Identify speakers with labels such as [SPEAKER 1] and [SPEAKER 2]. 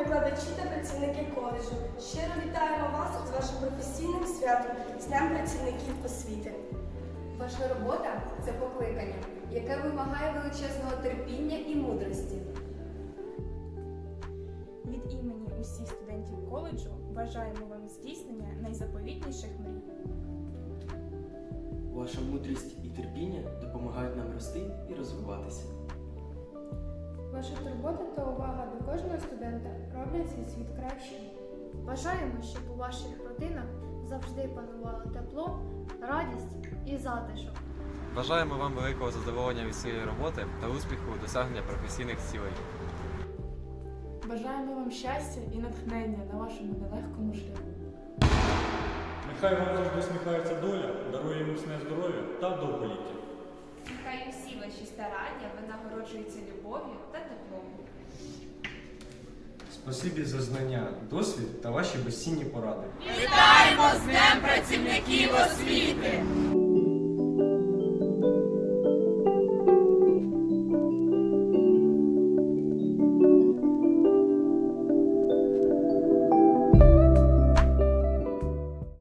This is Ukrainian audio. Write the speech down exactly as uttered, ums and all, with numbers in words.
[SPEAKER 1] викладачі та працівники коледжу. Щиро вітаємо вас з вашим професійним святом, з Днем працівників освіти.
[SPEAKER 2] Ваша робота – це покликання, яке вимагає величезного терпіння і мудрості.
[SPEAKER 3] Від імені усіх студентів коледжу бажаємо вам здійснення найзаповітніших мрій.
[SPEAKER 4] Ваша мудрість і терпіння допомагають нам рости і розвиватися.
[SPEAKER 5] Ваша турбота та увага до кожного студента роблять цей світ кращим.
[SPEAKER 6] Бажаємо, щоб у ваших родинах завжди панувало тепло, радість і затишок.
[SPEAKER 7] Бажаємо вам великого задоволення від своєї роботи та успіху у досягненні професійних цілей.
[SPEAKER 8] Бажаємо вам щастя і натхнення на вашому нелегкому шляху.
[SPEAKER 9] Нехай вам завжди усміхається доля, дарує міцне здоров'я та довголіття.
[SPEAKER 10] Нехай усі ваші старання винагороджуються любов'ю та теплом.
[SPEAKER 11] Спасибі за знання, досвід та ваші безцінні поради.
[SPEAKER 12] Вітаємо з Днем працівників освіти!